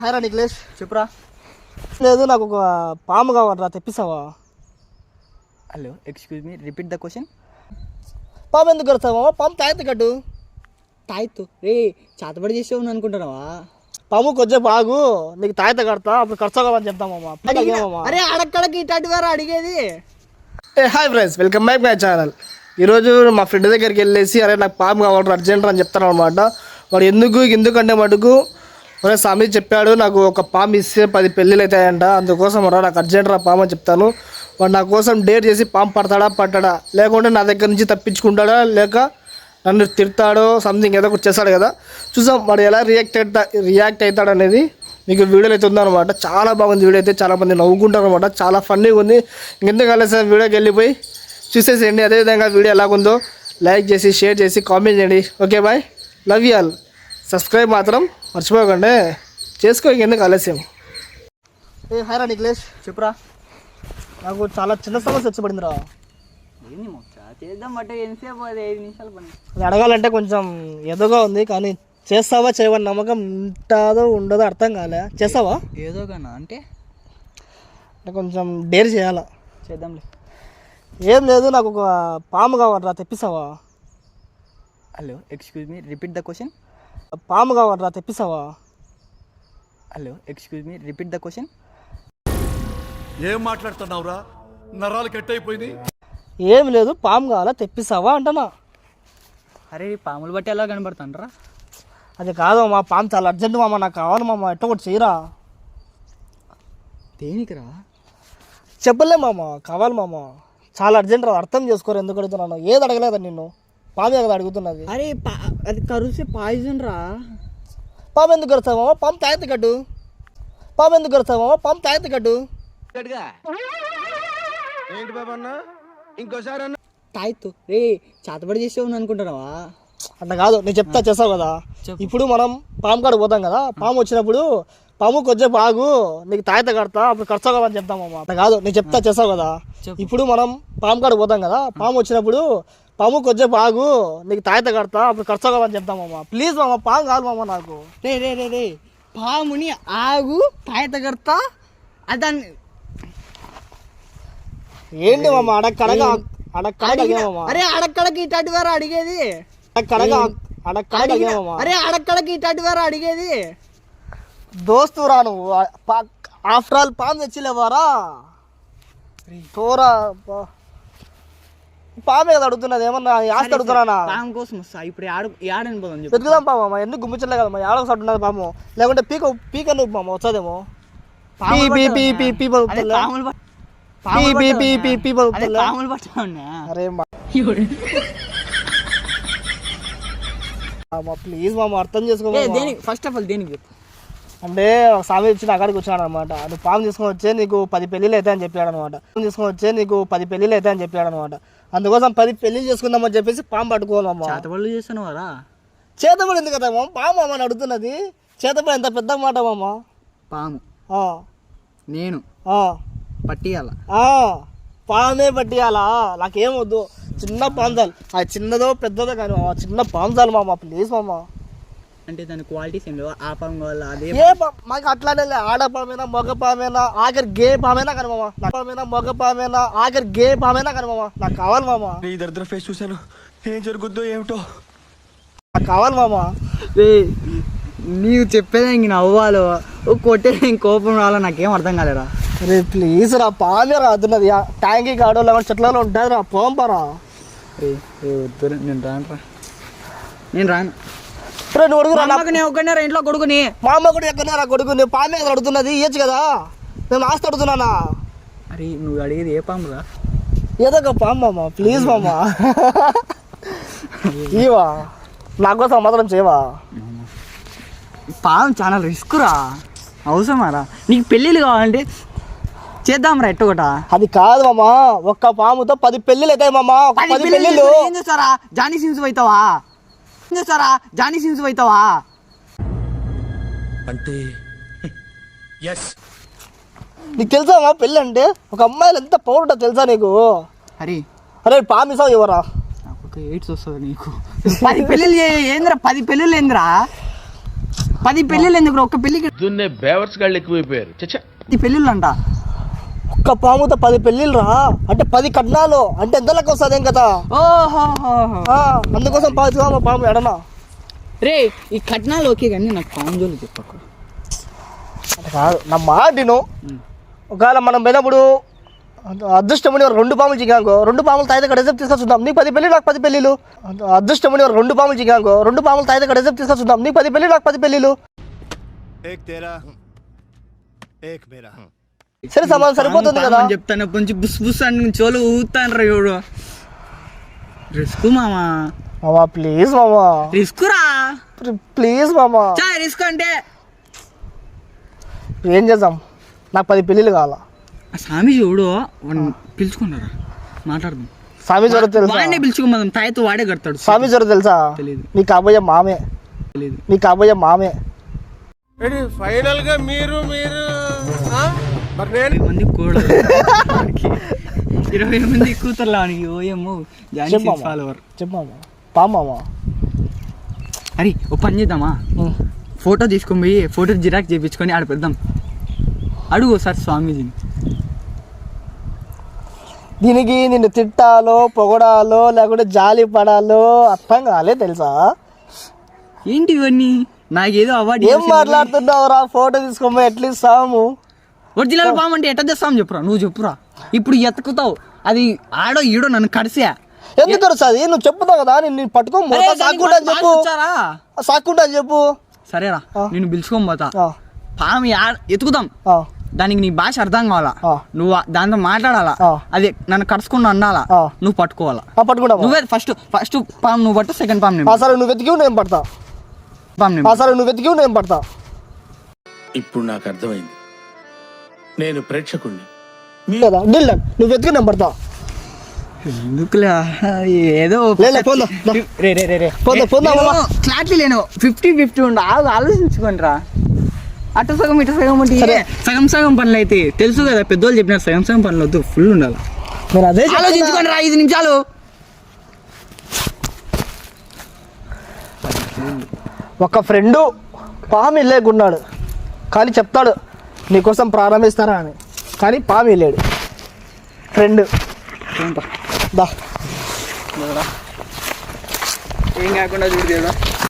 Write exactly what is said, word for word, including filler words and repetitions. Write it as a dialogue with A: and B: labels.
A: Hi రా నిఖిలేష్.
B: చెప్పురా.
A: లేదు, నాకు ఒక పాము కావాలరా, తెప్పిస్తావా?
B: Hello, excuse me, repeat the question.
A: పాము ఎందుకు కడతావా? పాము తాయితే కట్టు.
B: తాయిత్తు రే, చాతబడి చేసేవు అనుకుంటున్నావా?
A: పాము కొంచెం బాగు, నీకు తాయితే కడతా, అప్పుడు ఖర్చు కావాలని చెప్తామమ్మా.
B: అరే అడక్కడకి ఇటాటి వారు అడిగేది.
A: ఏ hi friends, welcome back my channel. ఈరోజు మా ఫ్రెండ్ దగ్గరికి వెళ్ళేసి అరే నాకు పాము కావాలి అర్జెంట్ అని చెప్తాను అనమాట. వాడు ఎందుకు ఎందుకంటే మటుకు ఒరే స్వామి చెప్పాడు, నాకు ఒక పాము ఇస్తే పది పెళ్ళిళ్ళు అవుతాయంట, అందుకోసం రా నాకు అర్జెంట్ రా పాము అని చెప్తాను. వాడు నా కోసం డేర్ చేసి పాము పడతాడా పట్టాడా, లేకుంటే నా దగ్గర నుంచి తప్పించుకుంటాడా, లేక నన్ను తిడతాడో సంథింగ్ ఏదో ఒకటి చేస్తాడు కదా. చూసాం వాడు ఎలా రియాక్ట్ అవుతా రియాక్ట్ అవుతాడు అనేది మీకు వీడియోలో అయితే ఉందన్నమాట. చాలా బాగుంది వీడియో అయితే, చాలామంది నవ్వుకుంటారు అనమాట, చాలా ఫన్నీగా ఉంది. ఇంకెందుకు కలిసి వీడియోకి వెళ్ళిపోయి చూసేసేయండి. అదేవిధంగా వీడియో ఎలాగుందో లైక్ చేసి షేర్ చేసి కామెంట్ చేయండి. Okay bye, love you all. Subscribe మాత్రం మర్చిపోకండి, చేసుకో. ఇంకెందుకు ఆలస్యం. ఏ హాయ్ రా నిఖిలేష్.
B: చెప్పురా.
A: నాకు చాలా చిన్న సమస్య వచ్చి పడిందిరా.
B: ఏంది మొక్క చేద్దాం బట్ ఎంతసేపు, అది ఐదు నిమిషాలు పని.
A: అది అడగాలంటే కొంచెం ఎదుగా ఉంది, కానీ చేస్తావా చేయవని నమ్మకం ఉంటుందో ఉండదో అర్థం కాలే. చేస్తావా?
B: ఏదో కన్నా అంటే
A: అంటే కొంచెం డేర్ చేయాలా.
B: చేద్దాంలే.
A: ఏం లేదు, నాకు ఒక పాము కావాలరా, తెప్పిస్తావా?
B: Hello, excuse me, repeat the question.
A: పాము కావాలరా, తెప్పిస్తావా?
B: Hello, excuse me, repeat the question.
C: ఏం మాట్లాడుతున్నావురా, నరాలు కట్ అయిపోయింది.
A: ఏం లేదు, పాము కావాలా, తెప్పిస్తావా అంటనా.
B: అరే పాములు బట్టి ఎలా కనబడుతుండ్రా?
A: అది కాదు మా పాము చాలా అర్జెంట్ మామ, నాకు కావాలి మామ, ఎట్ట ఒకటి చేయరా.
B: దేనికిరా?
A: చెప్పలే మామ, కావాలి మామ, చాలా అర్జెంట్ రా. అర్థం చేసుకోరు ఎందుకు అడుగుతున్నాను. ఏది అడగలేదా నిన్ను, పామే కదా అడుగుతున్నది.
B: అరే అది కరుసే పాయిజన్ రా.
A: పాము ఎందుకు కడతావా? పాము తాయితే కట్టు. పాము ఎందుకు కడతావా? పాము తాయితే కట్టు.
C: ఏంటి బాబా అన్న, ఇంకోసారి అన్న.
B: తాయిత్తు రే, చాతబడి చేసేవు అనుకుంటున్నావా?
A: అట్లా కాదు, నేను చెప్తా చేస్తావు కదా. ఇప్పుడు మనం పాము కాడ పోతాం కదా, పాము వచ్చినప్పుడు పాము కొంచెం బాగు, నీకు తాయిత కడతా, అప్పుడు ఖర్చు కావాలని చెప్తామమ్మా. అట్లా కాదు, నేను చెప్తా చేస్తావు కదా. ఇప్పుడు మనం పాము కాడ పోతాం కదా, పాము వచ్చినప్పుడు పాము కొంచెం బాగు, నీకు తాయిత కడతా, అప్పుడు ఖర్చు కావాలని చెప్తామమ్మా. ప్లీజ్ మామ, పాము కాదు మామ నాకు.
B: రే రే రే రే పాముని ఆగు తాయిత కడతా అదాన్ని
A: ఏంటి మామ అడక్కడగా అడక్కడగా మామ.
B: అరే అడక్కడకి ఇటాటి వారు అడిగేది.
A: అడక్కడగా అడక్కడగా మామ.
B: అరే అడక్కడకి ఇటాటి వారు అడిగేది.
A: దోస్తు రా నువ్వు, ఆఫ్టర్ ఆల్ పాము తెచ్చిలేవారా తోరా. పామే కదా అడుగుతున్నది, ఏమన్నా ఆస్తి అడుగుతున్నా.
B: పాము కోసం వస్తా ఇప్పుడు ఆడని పోదాం.
A: పెరుగుదాం పామ, ఎందుకు గుమ్మించలే కదా మా ఆడకు సట్టు ఉన్నది పాము, లేకుంటే పీక పీక నువ్వు మామ వచ్చేదేమో. ప్లీజ్ మామ అర్థం చేసుకో.
B: ఫస్ట్ ఆఫ్ ఆల్ దేనికి
A: అంటే స్వామి వచ్చి నా అక్కడికి వచ్చాడు అనమాట. నువ్వు పాము తీసుకొని వచ్చే నీకు పది పెళ్ళిళ్ళు అవుతాయి అని చెప్పాడు అనమాట. పాము తీసుకొని వచ్చే నీకు పది పెళ్ళిళ్ళు అవుతాయి అని చెప్పాడు అనమాట. అందుకోసం పది పెళ్ళిళ్ళు చేసుకుందామని చెప్పేసి పాము పట్టుకోవాలమ్మా.
B: చేతబడులు చేస్తున్నావారా?
A: చేతబడి ఎందుకు కదా మామ, పాము అమ్మ అని అడుగుతున్నది. చేతబడి ఎంత పెద్ద మాట మామ.
B: పాము నేను పట్టియాల,
A: పామే పట్టియాలా, నాకేం వద్దు. చిన్న పాంజాలు, అది చిన్నదో పెద్దదో కానీ చిన్న పాంజాలు మామ, ప్లీజ్ మామ.
B: అంటే దాని క్వాలిటీస్ ఏం లేవు, ఆ పాము కావాలి అదే
A: ఏ మాకు అట్లానే ఆడ పామైనా మగ పామైనా ఆఖరి గే పామైనా కానీ మామ, పామైనా మగ పామైనా ఆఖరి గే పామైనా కానీ మామ, నాకు కావాలి మామ.
C: నీ దరిద్ర ఫేస్ చూశాను, ఏం జరుగుద్దో ఏమిటో,
A: నాకు కావాలి మామ.
B: నీవు చెప్పేది ఇంక నవ్వాలో కొట్టే కోపం రావాలో నాకేం అర్థం కాలేరా.
A: రే ప్లీజ్ రా, పామే రాదున్నది ట్యాంకీ కాడో లేకపోతే చెట్లలో ఉంటుంది రా, పోంపరా.
B: నేను రాను రా, నేను రాను.
A: నువ్వు అడుగురా,
B: నేను ఒక్కనే రా ఇంట్లో కొడుకుని.
A: మా అమ్మ కూడా ఎక్కడనే రా కొడుకు, నువ్వు పామే కదా అడుగుతున్నది, ఇయ్యచ్చు కదా. నేను ఆస్తి అడుగుతున్నానా?
B: అరే నువ్వు అడిగేది ఏ పాము రా?
A: ఏదో ఒక పాము మామ, ప్లీజ్ మామ. ఇవా నా కోసం మాత్రం చేయవా?
B: పాము చాలా రిస్క్ రా, అవసరమారా? నీకు పెళ్ళిళ్ళు కావాలంటే చేద్దాం రా ఎట్టొకట.
A: అది కాదు మామ, ఒక్క పాముతో పది పెళ్ళిళ్ళు అవుతాయి మామ. పది పెళ్ళిళ్ళు
B: ఏం చేస్తారా? జానీ సిన్స్ అవుతావా? ఏం చేస్తారా? జానీ సిన్స్ అవుతావా
C: అంటే
A: నీకు తెలుసా మా పెళ్ళి అంటే ఒక అమ్మాయిలు ఎంత పవర్ ఉంటుందో తెలుసా నీకు?
B: అరే
A: అరే పామిసావు ఎవరా?
B: నాకు ఎయిడ్స్ వస్తుంది నీకు. పది పెళ్ళిళ్ళు ఏంద్రా, పది పెళ్ళిళ్ళు ఏంద్రా? పది పెళ్ళిళ్ళు ఎందుకు ఒక్క పెళ్ళికి
D: దున్నే బేవర్స్ గాళ్ళు ఎక్కువైపోయారు చచ్చా
B: ఈ పెళ్ళిళ్ళు అంట
A: ఒక్క పాముతో పది పెళ్ళిళ్ళు రా అంటే పది కట్నాలు అంటే ఎంత లెక్క వస్తుంది ఏం కదా
B: ఓహో
A: ఆ, అందుకోసం పాము మా పాము ఎడనా
B: రే ఈ కట్నాలు ఓకే కానీ నాకు పాము జోలు చెప్పకు
A: అంటే కాదు నా మాటిను ఒకవేళ మనం పోయినప్పుడు అదృష్టమని రెండు పాములు చిగాంకో రెండు పాములు తాయితే ఇక్కడ రిజెప్ట్ తీసుకొచ్చుద్దాం నీకు పది పెళ్ళి నాకు పది పెళ్ళిళ్ళు అదృష్టమని రెండు పాములు చిగాంకో రెండు పాములు తాయితే ఇక్కడ రిజెప్ట్ తీసుకొచ్చుద్దాం నీకు పది పెళ్ళి నాకు పది పెళ్ళిళ్ళు
C: ఏక్ తేరా ఏక్ మేరా
A: సరే సమానం సరిపోతుంది కదా
B: అని చెప్తాను కొంచెం బుస్ బుస్ అని చోలు ఊతాను రా ఎవడు రిస్క్ మామా
A: మామా ప్లీజ్ మామా
B: రిస్క్ రా
A: ప్లీజ్ మామా
B: చా రిస్క్ అంటే
A: ఏం చేద్దాం నాకు పది పెళ్ళిళ్ళు కావాలా
B: ఆ స్వామి చూడు వాడిని పిలుచుకున్నారా మాట్లాడదాం
A: స్వామి జ్వరం తెలుసా
B: వాడినే పిలుచుకోమదాం తాయితో వాడే కడతాడు
A: స్వామి జ్వరం తెలుసా
B: తెలీదు.
A: నీ కాబోయే మామే
B: తెలియదు
A: నీ కాబోయే మామే
C: ఫైనల్ గా మీరు మీరు మరి నేను
B: ఇరవై మంది కూడా ఇరవై మంది కూతుర్లా వానికి ఓయమ్మో జానీ
A: చెప్పమ్మా.
B: ఫాలోవర్
A: చెప్పమ్మా పామామా
B: అరే ఓ పని చేద్దామా ఫోటో తీసుకొని పోయి ఫోటో జిరాక్స్ చేయించుకొని ఆడ పెడదాం అడుగు సార్ స్వామీజీని
A: దీనికి నిన్ను తిట్టాలో పొగడాలో లేకుంటే జాలి పడాలో అర్థం కాలే తెలుసా
B: ఏంటి ఇవన్నీ నాకేదో అవార్డు
A: ఏం మాట్లాడుతున్నావురా ఫోటో తీసుకోమో ఎట్లీస్ట్ సాము
B: ఒరిజినల్ పాము అంటే ఎట్ట తెస్తాం చెప్పురా నువ్వు చెప్పురా ఇప్పుడు ఎత్తుకుతావు అది ఆడో ఈడో నన్ను కడిసా
A: ఎందుకు వస్తుంది నువ్వు చెప్పుతావు కదా నేను పట్టుకో సాక్కుంటా అని చెప్పు సాక్కుంటా అని చెప్పు
B: సరేరా నేను పిలుచుకోని పోతా
A: ఆ,
B: పాము ఆడ ఎత్తుకుతాం
A: ఆ,
B: దానికి నీ భాష అర్థం కావాలా
A: ఆ.
B: నువ్వు ఆ- దాంతో మాట్లాడాలా
A: ఆ.
B: అది నన్ను కడుచుకుని అన్నాలా
A: ఆ.
B: నువ్వు పట్టుకోవాలా
A: ఆ, పట్టుకుంటావా
B: నువ్వే ఫస్ట్ ఫస్ట్ పాము నువ్వు పట్టు సెకండ్ పాము
A: ఆ,
B: నేను
A: సరే నువ్వు వెతికి నేను పడతా
B: పాము నేను
A: ఆ, సరే నువ్వు వెతికి నేను పడతా
D: ఇప్పుడు నాకు అర్థమైంది నేను ప్రేక్షకుణ్ణి
A: కదా డీల్ డన్. నువ్వు వెతికి నేను పడతా
B: ఎందుకులే ఏదో
A: లే, లే, పోందా, దా.
B: రే రే రే రే
A: పోందా, పోందా, మామ.
B: క్లారిటీ లేను ఫిఫ్టీ ఫిఫ్టీ ఉండు ఆగు ఆలోచించుకోండి రా అటు సగం ఇటు సగం అంటే
A: సరే.
B: సగం సగం పనులు అయితే తెలుసు కదా పెద్దోళ్ళు చెప్పినారు సగం సగం పనులు వద్దు ఫుల్ ఉండాలి
A: నేను అదే చెప్తున్నా.
B: ఆలోచించుకోండి రా ఐదు నిమిషాలు
A: ఒక ఫ్రెండు పాము ఇల్లేకున్నాడు కానీ చెప్తాడు నీకోసం ప్రారంభిస్తారా అని కానీ పాము వెళ్ళాడు ఫ్రెండ్ దా
B: ఏం కాకుండా చూడు